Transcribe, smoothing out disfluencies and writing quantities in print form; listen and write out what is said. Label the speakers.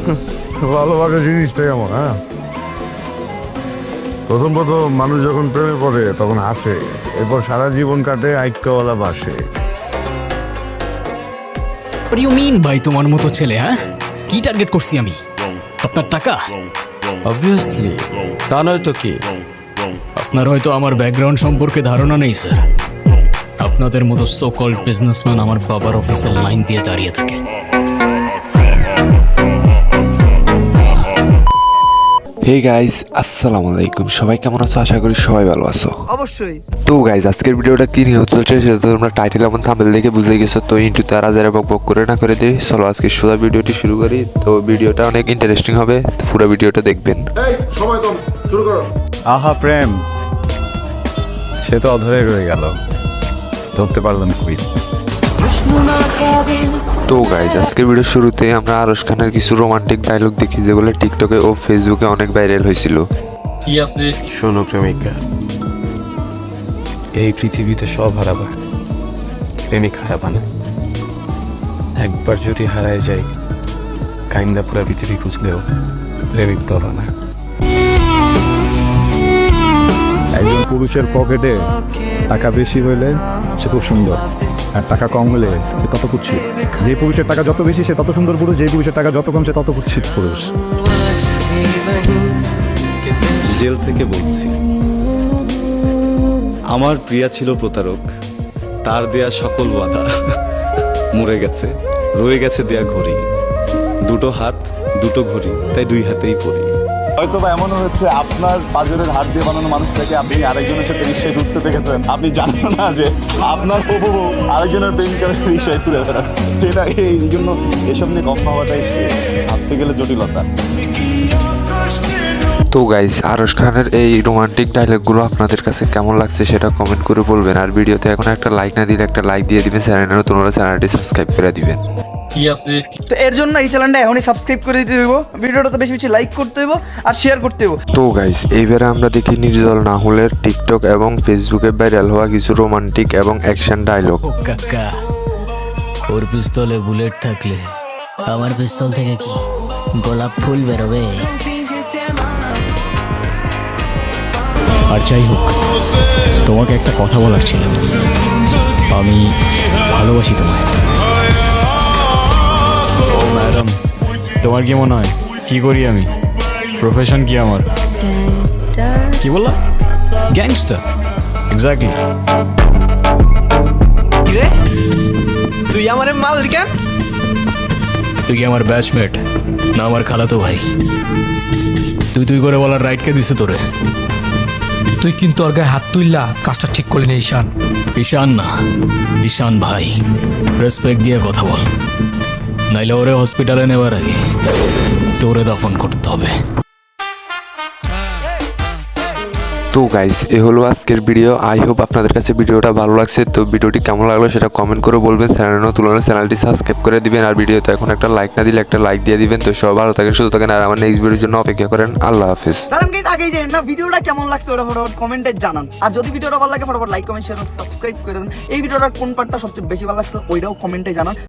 Speaker 1: ভালোবাসা জিনিসটাই আমার, হ্যাঁ। প্রথম মানুষ যখন প্রেমে পড়ে তখন হাসে, এরপর সারা জীবন কাটে আইক্কাওয়ালা বাসে।
Speaker 2: What do you mean ভাই তোমার মতো ছেলে? হ্যাঁ, কি টার্গেট করছি আমি? আপনার টাকা?
Speaker 3: অবভিয়াসলি, তা নয় তো কি?
Speaker 2: আপনার হয়তো আমার ব্যাকগ্রাউন্ড সম্পর্কে ধারণা নেই স্যার। আপনাদের মতো সো কল্ড বিজনেসম্যান আমার বাবার অফিসের লাইন দিয়ে দাঁড়িয়ে থাকে।
Speaker 4: হে গাইজ, আসসালামু আলাইকুম। সবাই কেমন আছো? আশা করি সবাই ভালো আছো।
Speaker 5: অবশ্যই।
Speaker 4: তো গাইজ, আজকের ভিডিওটা কি নিয়ে চলছে সেটা তোমরা টাইটেল এবং থাম্বনেল দেখে বুঝে গেছো। তো ইন্টুতে আর যারা বক করে না করে দিই, চলো আজকে সোজা ভিডিওটি শুরু করি। তো ভিডিওটা অনেক ইন্টারেস্টিং হবে, পুরো ভিডিওটা দেখবেন।
Speaker 3: আহা প্রেম, সে তো অধরে রয়ে গেল, ধরতে পারলাম কই।
Speaker 4: তো গাইজ, আজকের ভিডিওর শুরুতে আমরা আরশ খানের কিছু রোমান্টিক ডায়লগ দেখি যেগুলো টিকটকে ও ফেসবুকে অনেক ভাইরাল হয়েছিল।
Speaker 6: কি আছে?
Speaker 3: শোনো প্রেমিকা, এই পৃথিবীতে সব হারাবা, প্রেমিক হারাবা না। একবার যদি হারায় যাই, কাইন্দা পুরা পৃথিবী খুঁজলেও প্রেমিক পাবা না।
Speaker 7: একজন পুরুষের পকেটে টাকা বেশি হইলে সে খুব সুন্দর, আর টাকা কম হলে সে তত কুৎসিত। যে পুরুষের টাকা যত বেশি সে তত সুন্দর পুরুষ, যে পুরুষের টাকা যত কম সে তত কুৎসিত পুরুষ।
Speaker 8: জেল থেকে বলছি, আমার প্রিয়া ছিল প্রতারক, তার দেয়া সকল ওয়াদা মরে গেছে, রয়ে গেছে দেয়া ঘড়ি। দুটো হাত দুটো ঘড়ি, তাই দুই হাতেই পড়ি।
Speaker 7: হয়তো বা এমনও হচ্ছে আপনার পাঁজরের হাত দিয়ে বানানো মানুষটাকে আপনি আরেকজনের সাথে রিক্সায় ঢুকতে দেখেছেন, আপনি জানেন না যে আপনার হবু বউ আরেকজনের প্রেমিকার রিক্সায় তুলে বেড়াচ্ছে। সেটা এই জন্য এসব নিয়ে কম ভাবাটাই ভাবতে গেলে জটিলতা।
Speaker 4: তো গাইজ, আরশ খানের এই রোমান্টিক ডায়লগগুলো আপনাদের কাছে কেমন লাগছে সেটা কমেন্ট করে বলবেন। আর ভিডিওতে এখন একটা লাইক না দিলে একটা লাইক দিয়ে দিবেন, চ্যানেলে তোমরা চ্যানেলটি সাবস্ক্রাইব করে দিবেন।
Speaker 6: কি আছে?
Speaker 5: তো এর জন্য এই চ্যানেলটা এখনই সাবস্ক্রাইব করে দিতে হইব, ভিডিওটা তো বেশি বেশি লাইক করতে হইব আর শেয়ার করতে হইব।
Speaker 4: তো গাইজ, এইবারে আমরা দেখি নির্জল নাহুলের টিকটক এবং ফেসবুকে ভাইরাল হওয়া কিছু রোমান্টিক এবং অ্যাকশন ডায়লগ।
Speaker 2: ও কাকা, ওর পিস্তলে বুলেট থাকলে আমার পিস্তল থেকে কি গোলাপ ফুল বেরোবে? আর যাই হোক, তোমাকে একটা কথা বলার ছিল। আমি ভালোবাসি তোমায়। ও ম্যাডাম, তোমার কি মনে হয় কি করি আমি? প্রফেশন কি আমার? কি বললা? Gangster, exactly.
Speaker 5: কিরে, তুই আমারে মাল কেন?
Speaker 2: তুই কি আমার ব্যাচমেট না আমার খালাতো ভাই? তুই করে বলার রাইট কে দিছে তোরে?
Speaker 9: তুই কিন্তু ওর গায়ে হাত তুললা, কাজটা ঠিক করলি না ঈশান।
Speaker 2: ঈশান না, ঈশান ভাই। রেসপেক্ট দিয়ে কথা বল, নাইলে ওরে হসপিটালে নেওয়ার আগে তোরে দফন করতে হবে।
Speaker 4: তো গাইজ, এ হলো আজকের ভিডিও। আই হোপ আপনাদের কাছে ভিডিওটা ভালো লাগছে। তো ভিডিওটি কেমন লাগলো সেটা কমেন্ট করে বলবেন, চ্যানেল তুলনায় চ্যানেলটি সাবস্ক্রাইব করে দিবেন। আর ভিডিওতে এখন একটা লাইক না দিলে একটা লাইক দিয়ে দিবেন। তো সব ভালো থাকেন, সুস্থ থাকেন, আর আমার নেক্সট ভিডিওর জন্য অপেক্ষা করেন। আল্লাহ হাফিজ।
Speaker 5: আগেই যে না ভিডিওটা কেমন লাগছে ওটা ফটাফট কমেন্টে জানান। আর যদি ভিডিওটা ভালো লাগে ফটাফট লাইক কমেন্ট শেয়ার সাবস্ক্রাইব করে দেন। এই ভিডিওটার কোন পার্টটা সবচেয়ে বেশি ভালো লাগছে ওইটাও কমেন্টে জানান।